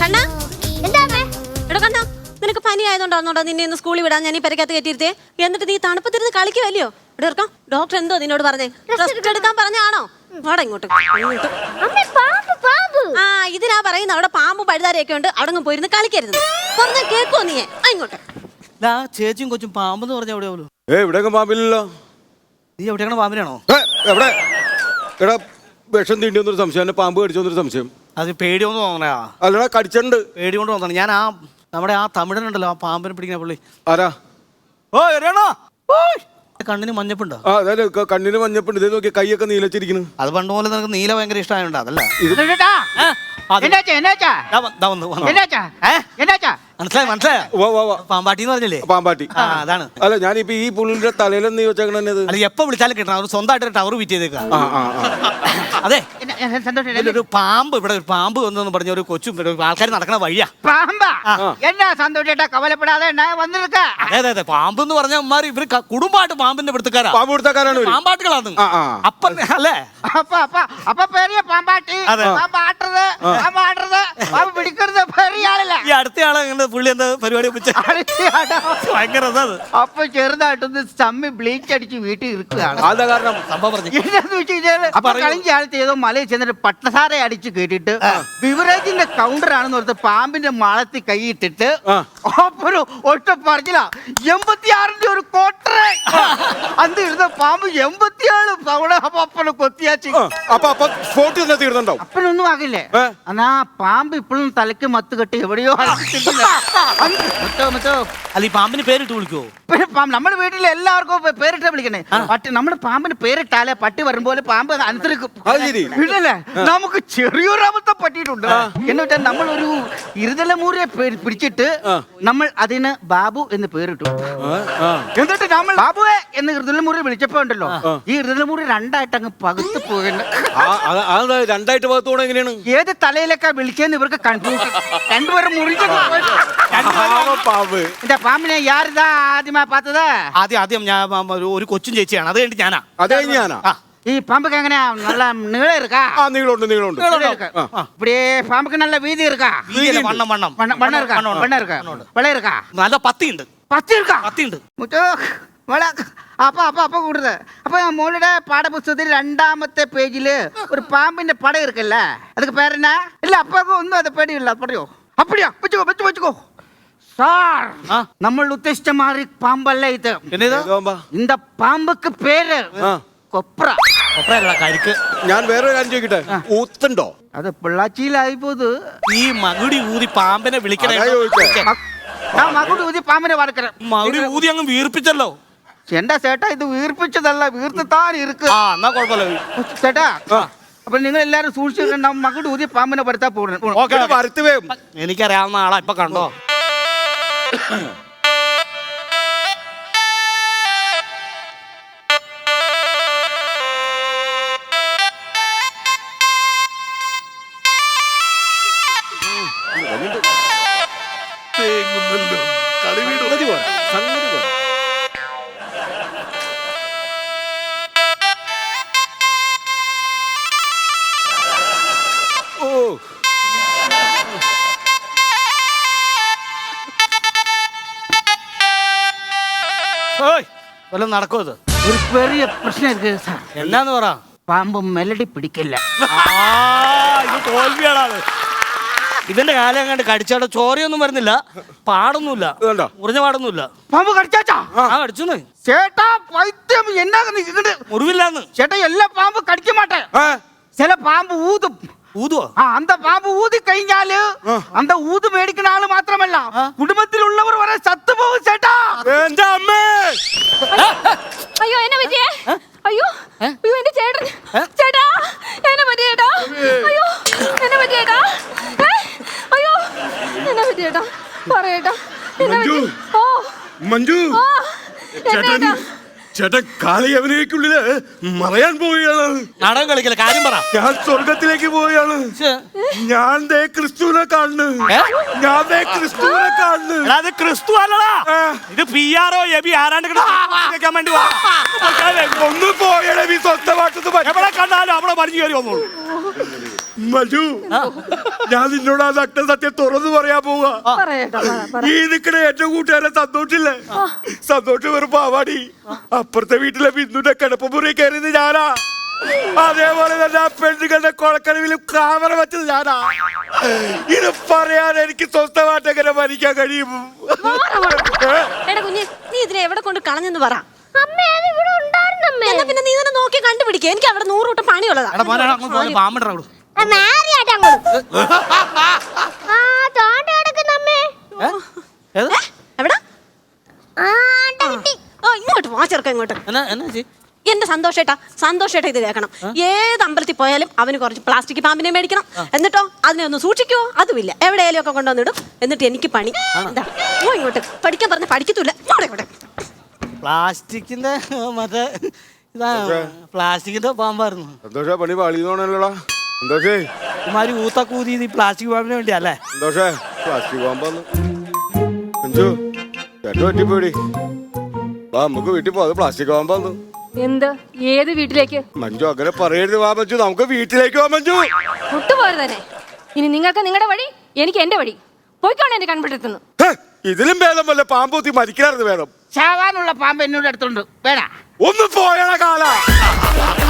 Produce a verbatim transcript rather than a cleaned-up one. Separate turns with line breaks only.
കണ്ണാ എടാ കണ്ണാ, നിനക്ക് പനി ആയതുകൊണ്ടാണോടാ നിന്നെ ഇന്ന് സ്കൂളിൽ വിടാൻ ഞാൻ ഈ പെരക്കകത്ത് കയറ്റിയിരുത്തേ? എന്നിട്ട് നീ തണുപ്പത്തിരുന്ന് കളിക്കുവല്ലയോ? ഇവിടെ ഇറക്കാം. ഡോക്ടർ എന്തോ നിന്നോട് പറഞ്ഞേ? റെസ്റ്റ് എടുക്കാൻ പറഞ്ഞാണോ? വാടാ ഇങ്ങോട്ട്. ആ ഇതിനാ പറയുന്നത് അവിടെ പാമ്പും പഴുതാരയൊക്കെ ഉണ്ട്, അവിടെ പോയിരുന്ന് കളിക്കരുത്. പറഞ്ഞ കേക്കോ നീ? ഇങ്ങോട്ട്.
ചേച്ചിയും കൊച്ചും പാമ്പെന്ന് പറഞ്ഞ എവിടെയാവല്ലോ?
ഏ ഇവിടെയൊക്കെ പാമ്പില്ലല്ലോ.
നീ എവിടെയാണ് പാമ്പിനാണോ?
എവിടെ എടാ വിഷം തീണ്ടി വന്നൊരു സംശയം, എന്നെ പാമ്പ് കടിച്ചു വന്നൊരു സംശയം.
അത് പേടിയൊന്നും തോന്നണയാ?
അല്ലടാ കടിച്ചിട്ടുണ്ട്.
പേടി കൊണ്ട് തോന്നണം. ഞാൻ ആ നമ്മുടെ ആ തമിഴനുണ്ടല്ലോ, ആ പാമ്പിനെ പിടിക്കുന്ന പുള്ളി.
ആരാ?
ഓ എറിയണോ? കണ്ണിന് മഞ്ഞപ്പുണ്ടോ?
ആ അതെ, കണ്ണിന് മഞ്ഞപ്പുണ്ട്. ഇതേ നോക്കിയ കൈയൊക്കെ നീലച്ചിരിക്കുന്നു.
അത് പണ്ട് പോലെ നിനക്ക് നീല ഭയങ്കര ഇഷ്ടമായോണ്ട് അതല്ല. മനസ്സിലായി മനസ്സിലായോ? പാമ്പാട്ടി എന്ന് പറഞ്ഞില്ലേ?
പാമ്പാട്ടി.
അതാണ്.
അല്ല ഞാനിപ്പോ ഈ പുള്ളിന്റെ തലയിലും നീ വെച്ചേക്കണത്.
അല്ല എപ്പോ വിളിച്ചാലും കിട്ടണം. അവർ സ്വന്തമായിട്ട് ടവർ വിറ്റ് ചെയ്തേക്കാം. അതെ, ഒരു പാമ്പ് ഇവിടെ ഒരു പാമ്പ് വന്നെന്ന് പറഞ്ഞ ഒരു കൊച്ചും ആൾക്കാർ നടക്കണ വഴിയാ.
പാമ്പാ? എന്നാ സന്തോഷേട്ടാ കവലപ്പെടാതെ വന്നിരിക്ക.
അതെ അതെ അതെ, പാമ്പ് എന്ന് പറഞ്ഞ ഉമ്മാര് ഇവര് കുടുംബമായിട്ട് പാമ്പിന്റെ പിടുത്തക്കാരാ.
പാമ്പ് പിടുത്തക്കാരാണ്,
പാമ്പാട്ടുകളാണ്. അപ്പ അല്ലേ?
അപ്പൊ അപ്പൊ അപ്പൊ പെരിയ പാമ്പാട്ടി, പാമ്പാട്ടത്, പാമ്പാട്ടത്, പാമ്പ് പിടിക്കരുത് പെരിയ ആളല്ല.
ഈ അടുത്തയാളെ പുള്ളി എന്താ പരിപാടി ഭയങ്കര
അപ്പൊ ചെറുതായിട്ടൊന്ന് ചമ്മി ബ്ലീച്ച് അടിച്ച് വീട്ടിൽ ഇരിക്കുകയാണ്.
അതാ കാരണം
സംഭവം പറഞ്ഞു.
എന്താന്ന് വെച്ച് കഴിഞ്ഞാല് കളിഞ്ച ആൾ ചെയ്തോ മലയിൽ ചെന്നിട്ട് പട്ടസാര അടിച്ച് കേട്ടിട്ട് ബിവറേജിന്റെ കൗണ്ടർ ആണെന്ന് പറഞ്ഞ പാമ്പിന്റെ മാളത്തിൽ കൈയിട്ടിട്ട് അപ്പൊ ഒറ്റ പറഞ്ഞില്ല എൺപത്തിയാറിന്റെ ഒരു കോട്ടറെ അന്ന് ഇരുന്ന പാമ്പ് എൺപത്തിയാറ് തവണ അപ്പനെ കൊത്തിയാച്ചി.
അപ്പൊ അപ്പൊ സ്പോട്ട് തന്നെ തീർന്നുണ്ടാവും.
അപ്പനൊന്നും ആകില്ലേ? എന്നാ പാമ്പ് ഇപ്പോഴും തലയ്ക്ക് മത്ത് കെട്ടി എവിടെയോ.
അല്ല ഈ പാമ്പിന് പേരിട്ട് വിളിക്കുവോ?
നമ്മുടെ വീട്ടിൽ എല്ലാവർക്കും പേരിട്ടാ വിളിക്കണേ. പട്ടി നമ്മുടെ പാമ്പിന് പേരിട്ടാലേ പട്ടി വരുമ്പോലെ പാമ്പ് അനുസരിക്കും. ഇല്ലല്ലേ? നമുക്ക് ചെറിയൊരു അബദ്ധം പറ്റിയിട്ടുണ്ട്. എന്ന് വെച്ചാൽ നമ്മളൊരു ഇരുതലമൂരിയെ പിടിച്ചിട്ട് നമ്മൾ അതിന് ബാബു എന്ന് പേരിട്ടു. എന്നിട്ട് നമ്മൾ ബാബുവെ എന്ന് ഇരുതലമൂരി വിളിച്ചപ്പോ ഉണ്ടല്ലോ, ഈ ഇരുതലമൂരി രണ്ടായിട്ട് അങ്ങ് പകുത്ത് പോകുന്നു.
രണ്ടായിട്ട് പകത്തോടെ എങ്ങനെയാണ്?
ഏത് തലയിലേക്കാ വിളിച്ചെന്ന് ഇവർക്ക് കൺഫ്യൂഷൻ. രണ്ടുപേരും മുറിഞ്ഞു. എന്റെ പാമ്പിനെ യാരിതാ ആദ്യമായി പാത്തത്?
ആദ്യം ആദ്യം ഞാൻ ഒരു കൊച്ചും ചേച്ചിയാണ്. അത് കഴിഞ്ഞിട്ട് ഞാനാ.
അതേ ഞാനാ.
ഈ പാമ്പുക്ക് എങ്ങനെയാ? നല്ല നീളം இருக்கா?
ആ നീളമുണ്ട് നീളമുണ്ട്.
இப்படியே பாம்புக்கு நல்ல வீதி இருக்கா?
വണ്ണം വണ്ണം
வண்ணம் இருக்கா? வண்ணம் இருக்கா? வெள்ளை இருக்கா?
നല്ല പത്തിയുണ്ട്.
പത്തി இருக்கா?
പത്തിയുണ്ട്.
അപ്പൊ അപ്പൊ അപ്പൊ കൂടുതൽ. അപ്പൊ മോളുടെ പാഠപുസ്തകത്തിൽ രണ്ടാമത്തെ പേജില് ഒരു പാമ്പിന്റെ പടം ഇരിക്കല്ലേ, அதுக்கு பேர் என்ன? இல்ல അപ്പൊക്കെ ഒന്നും അത് പേടിയില്ല. പറയോ? அப்படியா? വെച്ചോ വെച്ചോ വെച്ചോ സാർ. നമ്മൾ ഉദ്ദേശിച്ച മാറി പാമ്പല്ല ഇത്. இந்த പാമ്പുക്ക് പേര് കൊപ്ര.
കൊപ്രയല്ല, കരിക്ക്.
ഞാൻ വേറെ കാര്യം ചോദിക്കട്ടെ, ഊത്തുണ്ടോ?
അത് പിള്ളാച്ചിയിലായി പോത്.
ഈ മകുടി ഊതി പാമ്പിനെ വിളിക്കണേ.
മകുടി ഊതി പാമ്പിനെ വറക്കണ.
മകുടി ഊതി അങ്ങ് വീർപ്പിച്ചല്ലോ.
എന്റെ ചേട്ടാ ഇത് വീർപ്പിച്ചതല്ല, വീർത്ത് താൻ ഇരിക്ക്.
എന്നാ കുഴപ്പമില്ല
ചേട്ടാ. അപ്പൊ നിങ്ങൾ എല്ലാരും സൂക്ഷിച്ചിട്ടുണ്ടാവും. മകുടി ഊതി പാമ്പിനെ വരുത്താ പോകണം.
എനിക്കറിയാവുന്ന ആളാ. ഇപ്പൊ കണ്ടോ? വല്ലതും നടക്കോ? ഇത്
ഒരു ചെറിയ പ്രശ്നം ഇருக்கு സാർ.
എന്നാന്ന് പറ.
പാമ്പ് മെലഡി പിടിക്കില്ല.
ഇത് തോൽവിയാണ്. ഇതിന്റെ കാലം കണ്ട് കടിച്ചാടെ ചോരയൊന്നും വരുന്നില്ല, പാടൊന്നുമില്ല, മുറിഞ്ഞ പാടൊന്നുമില്ല.
പാമ്പ് കടിച്ചാച്ചാ?
ആ കടിച്ചു.
ചേട്ടാ പൈത്യം എന്നാ
മുറിവില്ലാന്ന്.
ചേട്ടാ എല്ലാ പാമ്പ് കടിക്ക മാട്ടേ. ചില പാമ്പ് ഊതും.
ഊതുവോ?
ആ അന്ത പാമ്പ് ഊതി കഴിഞ്ഞാല് അന്ത ഊത് മേടിക്കുന്ന ആള് മാത്രമല്ല കുടുംബത്തിലുള്ളവർ വരെ ചത്തുപോകും ചേട്ടാ.
എന്റെ അമ്മേ!
അയ്യോ എന്നെ പറ്റിയേ? അയ്യോ അയ്യോ എന്റെ ചേട്ടൻ. ചേട്ടാ എന്നെ പറ്റിയേട്ടാ. അയ്യോ എന്നെ പറ്റിയേട്ടാ. അയ്യോ എന്നെ പറ്റിയേട്ടാ. പറയേട്ടാ എന്നെ പറ്റി. ഓ
മഞ്ജു ചേട്ടൻ ചേട്ടൻ കാളിയവനേക്കുള്ളില് മറയാൻ പോവുകയാണ്.
നാടകം കളിക്കല, കാര്യം പറ.
ഞാൻ സ്വർഗത്തിലേക്ക് പോവുകയാണ്. ഞാൻ ദേ ക്രിസ്തുവിനെ കാണുന്നു. ഞാൻ ദേ ക്രിസ്തുവിനെ കാണുന്നു.
അത് ക്രിസ്തു അല്ലടാ, ഇത് പി ആറോ എബി ആരാണ്ട് വേണ്ടി.
ഒന്ന് പോയടേ, നീ സ്വന്തമായിട്ടൊന്ന്
എവിടെ കണ്ടാലും അവിടെ മറിഞ്ഞു കയറി വന്നോളൂ.
മജു ഞാൻ നിന്നോട് ആ നഗ്ന സത്യം തുറന്നു പറയാൻ പോവാ. ഈ നിക്കണ എന്റെ കൂട്ടുകാരൻ സന്തോഷില്ലേ, സന്തോഷം വെറും പാവാടി. അപ്പുറത്തെ വീട്ടിലെ ബിന്ദുന്റെ കിടപ്പുമുറി കയറിയത് ഞാനാ. അതേപോലെ തന്നെ ആ പെണ്ണുകളുടെ കൊളക്കടവിലും ക്യാമറ വെച്ചത് ഞാനാ. ഇത് പറയാൻ എനിക്ക് സ്വസ്ഥമായിട്ട് എങ്ങനെ ഭരിക്കാൻ കഴിയും?
എടാ കുഞ്ഞെ, നീ ഇതിനെ എവിടെ കൊണ്ട് കളഞ്ഞെന്ന് പറ. എന്നാ പിന്നെ നീ തന്നെ നോക്കി കണ്ടുപിടിക്കുക. എനിക്ക് അവിടെ നൂറ് കൂട്ടം പണിയുള്ളതാ.
എടാ മോനെ, എടാ, അങ്ങോട്ട് പോകാൻ പാമ്പിട അങ്ങോട്ട്. ഏത്?
എവിടാ? ഓ, ഇങ്ങോട്ട് വാ ചെറുക്ക, ഇങ്ങോട്ട്.
എന്നാ എന്നാ ചേച്ചി?
എന്റെ സന്തോഷേട്ടാ, സന്തോഷേട്ടാ ഇത് കേൾക്കണം. ഏത് അമ്പലത്തിൽ പോയാലും അവന് കുറച്ച് പ്ലാസ്റ്റിക് പാമ്പിനെ മേടിക്കണം. എന്നിട്ടോ അതിനെ ഒന്ന് സൂക്ഷിക്കുവോ? അതുമില്ല, എവിടെയാലും ഒക്കെ കൊണ്ടുവന്നിടും. എന്നിട്ട് എനിക്ക് പണി എന്താ? ഓ, ഇങ്ങോട്ട് പഠിക്കാൻ പറഞ്ഞ പഠിക്കത്തൂല്ല. ഇങ്ങോട്ട് ഇങ്ങോട്ട്.
പ്ലാസ്റ്റിക്കിന്റെ മറ്റേ ഇതാ പ്ലാസ്റ്റിക്കിന്റെ പാമ്പായിരുന്നു.
സന്തോഷ പണി പാളിയോണല്ലോടാ. സന്തോഷേ
ഇമാര് ഊത്തക്കൂതി ഈ പ്ലാസ്റ്റിക് പാമ്പിന് വേണ്ടിയല്ലേ?
സന്തോഷേ പ്ലാസ്റ്റിക് പാമ്പാന്ന് അഞ്ചു ചേട്ടൻ പറ്റിപ്പോയി. വാ നമുക്ക് വീട്ടിൽ പോ. അത് പ്ലാസ്റ്റിക് പാമ്പാന്ന്.
എന്ത്? ഏത് വീട്ടിലേക്ക്?
മഞ്ജു അങ്ങനെ പറയരുത്. വാ മഞ്ജു, നമുക്ക് വീട്ടിലേക്ക് വാ മഞ്ജു.
വിട്ടുപോയത് തന്നെ. ഇനി നിങ്ങൾക്ക് നിങ്ങളുടെ വഴി, എനിക്ക് എന്റെ വഴി. പോയിക്കോണെ എന്റെ കൺപിടുത്തുന്നു.
ഇതിലും ഭേദം വല്ല പാമ്പൂത്തി മരിക്കാറുണ്ട് വേണം.
ചാവാനുള്ള പാമ്പ് എന്നോട് അടുത്തുണ്ട്. വേടാ
ഒന്ന് പോയണ കാല